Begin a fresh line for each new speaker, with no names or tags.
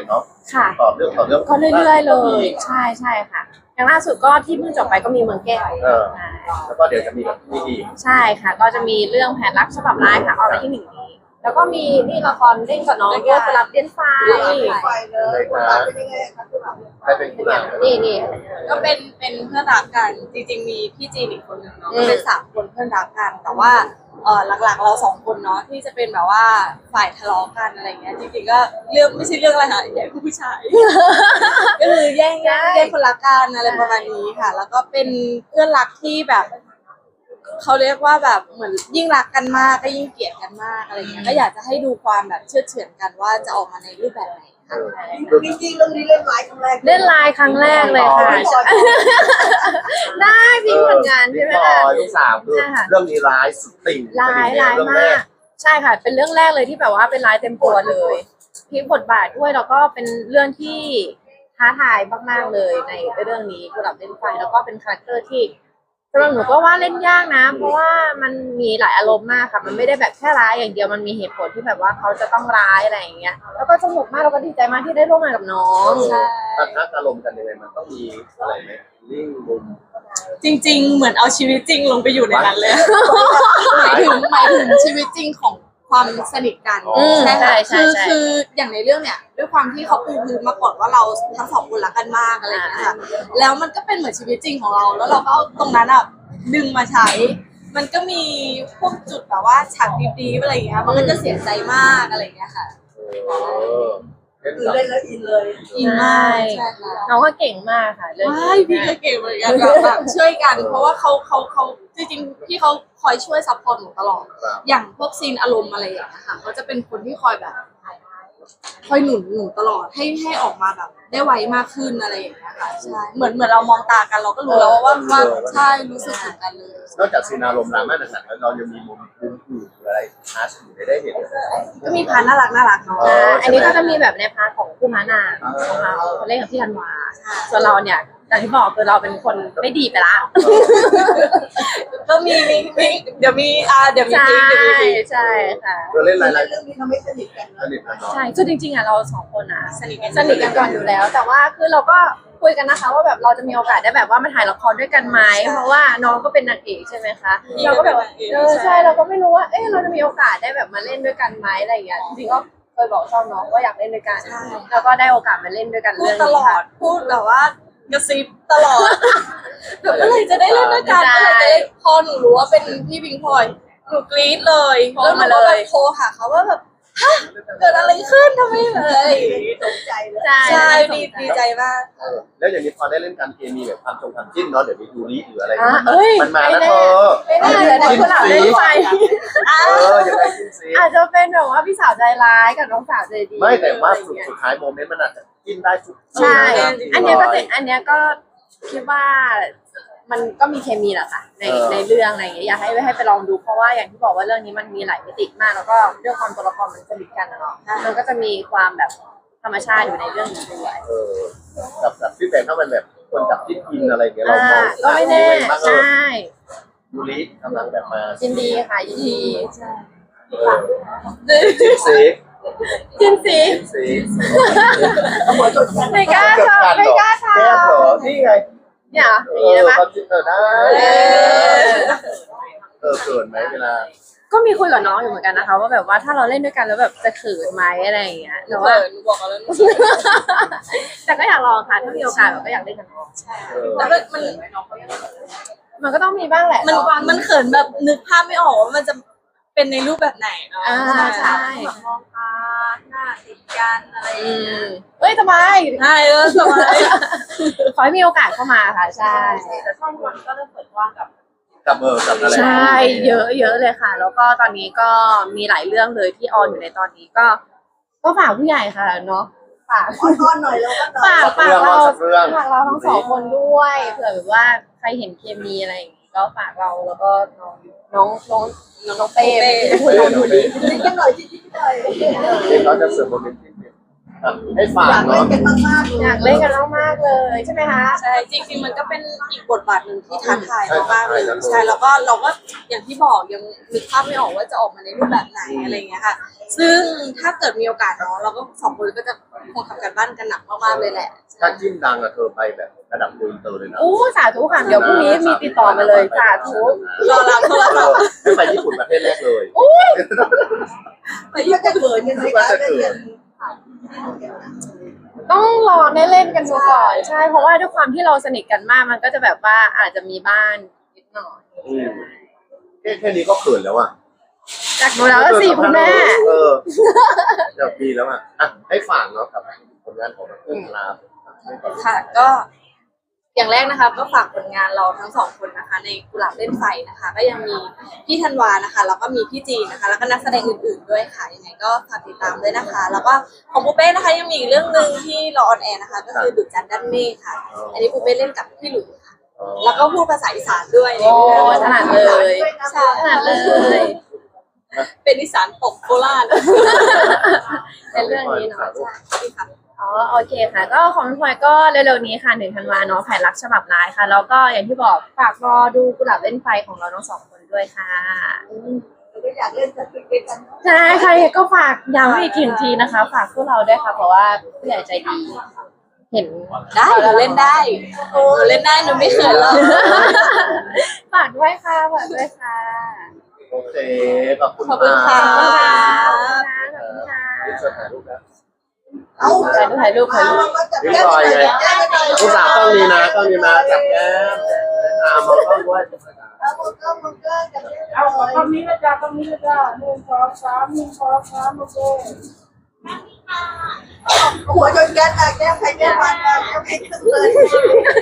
เนาะ
ค่ะ
ต่อเรื่อง
ก็เรื่อยๆเลยใช่ใช่ค่ะอย่างล่าสุดก็ที่เพิ่งจบไปก็มีเมืองแก้ว
แล้วก็เดี๋ยวจะมีแบบนี้อีก
ใช่ค่ะก็จะมีเรื่องแผนรักฉบับร้ายค่ะออกมาที่1 นี้แล้วก็มีนี่ละครเล่นกับน้องด้วยสลับเล่นไฟ
เลยนะได้เป็นผู้หลัก
นี่
ก็เป็นเพื่อนรักกันจริงๆมีพี่จีนอีกคนนึงเนาะก็เป็น3 คนเพื่อนรักกันแต่ว่าหลักๆเรา2 คนเนาะที่จะเป็นแบบว่าฝ่ายทะเลาะกันอะไรเงี้ยจริงๆก็เรื่องไม่ใช่เรื่องอะไรค่ะแย่งผู้ชายก็คือแย่งคนรักกันอะไรประมาณนี้ค่ะแล้วก็เป็นเพื่อนรักที่แบบเขาเรียกว่าแบบเหมือนยิ่งรักกันมากก็ยิ่งเกลียดกันมากอะไรเงี้ยก็อยากจะให้ดูความแบบเชื่อเฉือนกันว่าจะออกมาในรูปแบบไหนค่ะ
จริงๆเรื่องนี้เล่นไลฟ์ครั้งแรก
เล่นไลน์ครั้งแรกเลยค่ะได้พี่ผลงานใช่ไหมล่ะ
ลูกสาวคือเรื่องนี้ร้ายสุดติ่ง
ร้ายมากใช่ค่ะเป็นเรื่องแรกเลยที่แบบว่าเป็นร้ายเต็มตัวเลยพลิกบทบาทด้วยแล้วก็เป็นเรื่องที่ท้าทายมากๆเลยในเรื่องนี้กุหลาบเล่นไฟแล้วก็เป็นคาแรคเตอร์ที่สำหรับหนูก็ว่าเล่นยากนะเพราะว่ามันมีหลายอารมณ์มากค่ะมันไม่ได้แบบแค่ร้ายอย่างเดียวมันมีเหตุผลที่แบบว่าเขาจะต้องร้ายอะไรอย่างเงี้ยแล้วก็สนุกมากแล้วก็ดีใจมากที่ได้ร่วมงานกับน้องใช่
ตัดนักอารมณ์กันยังไงมันต้องมีอะไรไหมลิ่งมุม
จริงๆเหมือนเอาชีวิตจริงลงไปอยู่ในนั้นเลยหมายถึงชีวิตจริงของความสนิทกันใช่ค่ะคืออย่างในเรื่องเนี่ยด้วยความที่เขาปูพื้นมาก่อนว่าเราทั้ง2 คนรักกันมากอะไรอย่างเงี้ยค่ะแล้วมันก็เป็นเหมือนชีวิตจริงของเราแล้วเราก็เอาตรงนั้นอ่ะดึงมาใช้มันก็มีพวกจุดแบบว่าฉากดีๆอะไรอย่างเงี้ยมันก็จะเสียใจมากอะไรอย่างเงี้ยค่ะ
คือเล่นแล้วอินเลย
อินมากใช่ค่ะ
น้องก็เก่งมากค่ะเรื่องนี้
พี่ก็เก่งเหมือนกันแบบช่วยกันเพราะว่าเขาจริงๆพี่เขาคอยช่วยซัพพอร์ตหนูตลอดอย่างพวกซีนอารมณ์อะไรอย่างเงี้ยค่ะเขาจะเป็นคนที่คอยแบบคอยหนุนหนูตลอดให้ออกมาแบบได้ไวมากขึ้นอะไรอย่างเงี้ยค่ะใช่เหมือนเรามองตากันเราก็รู้แล้วว่าใช่รู้สึกถึงกันเลย
นอกจากซีนอารมณ์ดราม่าหนักๆแล้วเรายังมีมุมอื่นหรืออะไรพาร์ทอื่นได้เห็น
ก็มีพาร์ทน่ารักเนาะ
อันนี้ก็จะมีแบบในพาร์ทของผู้ม้านางของเราเล่นกับพี่ธันวาส่วนเราเนี่ยอย่างที่บอกคือเราเป็นคนไม่ดีไปละ
ก็มีเดี๋ยวมี
ใช่ค่ะ
เล่นอะไร
เรื่องนี้ทำให้สนิทกัน
สนิทกันเนาะ
ใช่คือจริงๆอ่ะเรา2 คนอ่ะสนิทกันก่อนอยู่แล้วแต่ว่าคือเราก็คุยกันนะคะว่าแบบเราจะมีโอกาสได้แบบว่ามาถ่ายละครด้วยกันไหมเพราะว่าน้องก็เป็นนางเอกใช่ไหมคะเราก็แบบใช่เราก็ไม่รู้ว่าเราจะมีโอกาสได้แบบมาเล่นด้วยกันไหมอะไรอย่างเงี้ยจริงๆก็เคยบอกชอบน้องว่าอยากเล่นด้วยกันแล้วก็ได้โอกาสมาเล่นด้วยกันเรื่องนี้ค่ะ
พูดแบบว่ากระซิบตลอดแบบเมื่อไหร่จะได้เล่นด้วยกันเมื่อไหร่จะได้พอหนูรู้ว่าเป็นพี่พิงพลอยหนูกรี๊ดเลยแล้วหนูก็แบบโทรหาเขาว่าแบบฮะเกิดอะไรขึ้นทำไมเลย
ตกใจเลย
ใช่ดีใจมาก
แล้วอย่างนี้พอได้เล่นการเคมีแบบความจิ้นเนาะเดี๋ยวมีดูรีหรืออะไรมันมา
แล้ว
เธอ
ไม่ได้เดี๋ยวคุณหลับเล่นไฟ
ยังไงจิ้นซี
อาจจะเป็นแบบว่าพี่สาวใจร้ายกับน้องสาวใจดี
ไม่แต่ว่าสุดท้ายโมเมนต์มันอาจจะจิ้นได้ทุก
ใช่อันนี้ก็คิดว่ามันก็มีเคมีแหละค่ะในเรื่องอะไรอย่างเงี้ยอยากให้ไปลองดูเพราะว่าอย่างที่บอกว่าเรื่องนี้มันมีหลายมิติมากแล้วก็เรื่องความตัวละครมันสนิทกันเนาะมันก็จะมีความแบบธรรมชาติอยู่ในเรื่องนี้ด้วย
กับพี่แต่ถ้ามันแบบคนจับจิ้นกินอะไรเงี้ยเรา
ก็ไม่แน่ใช่
ดูรีกำลังแบบมา
ยินดีค่ะยินดีใช่
จิ้นซี
ไม่กล้าทำ
นี่ไง
เนี่ยอย่างนี้ได้ไหม
ได้เขินไหมเวลา
ก็มีคุยกับน้องอยู่เหมือนกันนะคะว่าแบบว่าถ้าเราเล่นด้วยกันแล้วแบบจะเขินไหมอะไรอย่างเงี้ยแต่ว่า
บอกแล้ว
แต่ก็อยากลองค่ะถ้ามีโอกาสก็อยากเล่นกับน้อง
แล้ว
มันก็ต้องมีบ้างแหละ
มันเขินแบบนึกภาพไม่ออกว่ามันจะเป็นในรูปแบบไหนเนาะ
ใช่
มองตาหน้าติดกันอะไร
สบาย
ใช่สบาย
ขอให้มีโอกาสเข้ามาค่ะใช่
แต่ช่องวันก็จะเปิดกว้างกับ
อะไร
ใช่เยอะเลยค่ะแล้วก็ตอนนี้ก็มีหลายเรื่องเลยที่ออนอยู่ในตอนนี้ก็ฝากผู้ใหญ่ค่ะเนาะฝาก
ก้อนหน่อยแล้วก็
ฝากเราทั้ง2 คนด้วยเผื่อแบบว่าใครเห็นเคมีอะไรอย่างงี้ก็ฝากเราแล้วก็น้องเป้
นิดหน่อย
เขาจะเสริมโมเมนต์ให้ฝา
อก ยากเล่
เนาะ
นกันมากๆเลย
อยากเล่นกันมากๆเลยใช่ไหมคะ
ใช่จริงๆมันก็เป็นอีกบทบาทหนึ่งที่ท้าทายมากๆเลยใช่แล้วก็เราก็อย่างที่บอกยังนึกภาพไม่ออกว่าจะออกมาในรูปแบบไหนอะไรอย่างเงี้ยค่ะ ซึ่งถ้าเกิดมีโอกาสเนาะเราก็สองคนก็จะคงทำกันบ้านกันหนักมากๆเลยแหละ
ถ้าจิ้นดังอะเธอไปแบบระดับอินเตอร์เลยนะ
อู้สาธุค่ะเดี๋ยวพรุ่งนี้มีติดต่อมาเลยสาธุ
รอรับโทรศัพท์
ให้ไปญี่ปุ่นประเทศแรกเลย
ไปก็จะเขินกันไหมคะเล่นกัน
ต้องรอได้เล่นกันดูก่อนใช่เพราะว่าด้วยความที่เราสนิทกันมากมันก็จะแบบว่าอาจจะมีบ้านนิดหน่อย
แค่นี้ก็เขินแล้วอ่ะ
จากดูแล้วสิคุณแม่
เดี๋ยวปีแล้วอ่ะให้ฝากเนาะกับผลงานของเพื่อนลา
ค่ะก็อย่างแรกนะคะก็ฝากผลงานเราทั้งสองคนนะคะ ในกุหลาบเล่นไฟนะคะ ก็ยังมีพี่ธันวานะคะแล้วก็มีพี่จีนนะคะ แล้วก็นักแสดงอื่นๆด้วยค่ะยังไงก็ฝากติดตามด้วยนะคะ แล้วก็ของปูเป้นะคะยังมีอีกเรื่องหนึ่งที่รอออนแอร์นะคะ ก็คือดุจจันทร์ด้านเมฆค่ะ อันนี้ปูเป้เล่นกับพี่หลุยค่ะ แล้วก็พูดภาษาอีสานด้วย
โอ้ถนัดเลย
ใช่
ถนัดเลย
เป็นอีสานตกโคราช
เป็นเรื่องนี้เนาะ
ใช่ค่ะ
อ๋อโอเคค่ะ ก็ของพลอยก็เร็วๆนี้ค่ะ1 ธันวาเนาะแผนรักฉบับร้ายค่ะแล้วก็อย่างที่บอกฝากรอดูกุหลาบเล่นไฟของเราทั้งสองคนด้วยค่ะ
ก็อยากเล่นกันด้วยกัน
ใช่ใครก็ฝากย้ำอีกทีนะคะ ฝากพวกเราด้วยค่ะ เพราะว่าผู้ใหญ่ใจดี เห็น
ได้หนูเล่นได้หนูเล่นได้หนูไม่เขินหรอก
ฝากด้วยค่ะฝากด้วยค่ะ
โอเคขอบคุณ
ขอบคุณค่ะ
ขอบคุณค่ะขอบคุณค่ะ
ช่วยถ่ายรูปนะ
เอา
ถ่ายรูป
มาจับแก้มหน่อยจับแก้มหน่อย
ลูกสาวต้องนี้นะต้องนี้นะจับแก้มมองกล้องด้วย
เอามือก็จับแก้มหน่
เอา
อย
ตรงนี้นะจ๊ะตรงนี้นะจ๊ะ1 2 3 1 2 3โอเค
หัวจนแก้มแก้มใครแก้มมันแก้มใครขึ้นเลย